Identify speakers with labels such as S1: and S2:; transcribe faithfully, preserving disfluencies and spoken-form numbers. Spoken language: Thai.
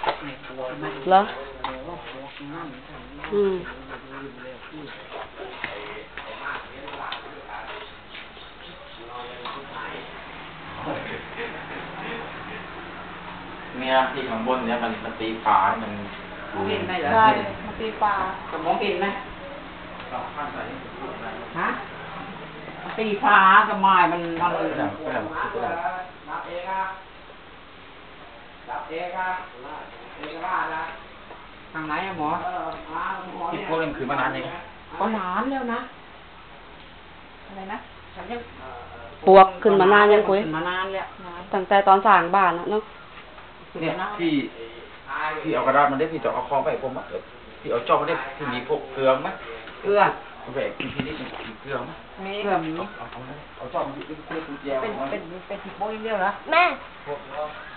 S1: เหรออืม
S2: เนี่ยที่ข้างบนเนี่ยมันมันตีฝามัน
S3: มองเห็นไหมเหรอ
S1: ใช่มาตีปลา
S3: จะมองเห็นไหมฮะตีฟ้ากับไม้มันมันรับเองอะรับเองอะเอกราชนะทางไหนอะหมอ
S2: ที่พวกนี้คือมานานยัง
S3: ก็นานแล้วนะอะไรนะฉันยัง
S1: ปวกขึ้นมานานยังคุย
S3: ขึ้นมานานแล้ว
S1: ตั้งแต่ตอนสร้างบ้านแล้วเนาะ
S2: เนี่ยที่ที่เอากระดาษมันได้พี่จะเอาคล้องไปผมอ่ะพี่เอาจอบมันได้ที่มีพวกเกลืองไหม
S3: เกลือ
S2: เอาไปกินทีนี้มีเกลืองไหม
S3: มีเกลือมี
S2: เอาเอาเอาจอบมันที่เป็นเกลือแยว
S3: เป็นเป็นเป็นติโป้ยเดียวเหรอ
S1: แม่
S2: พวก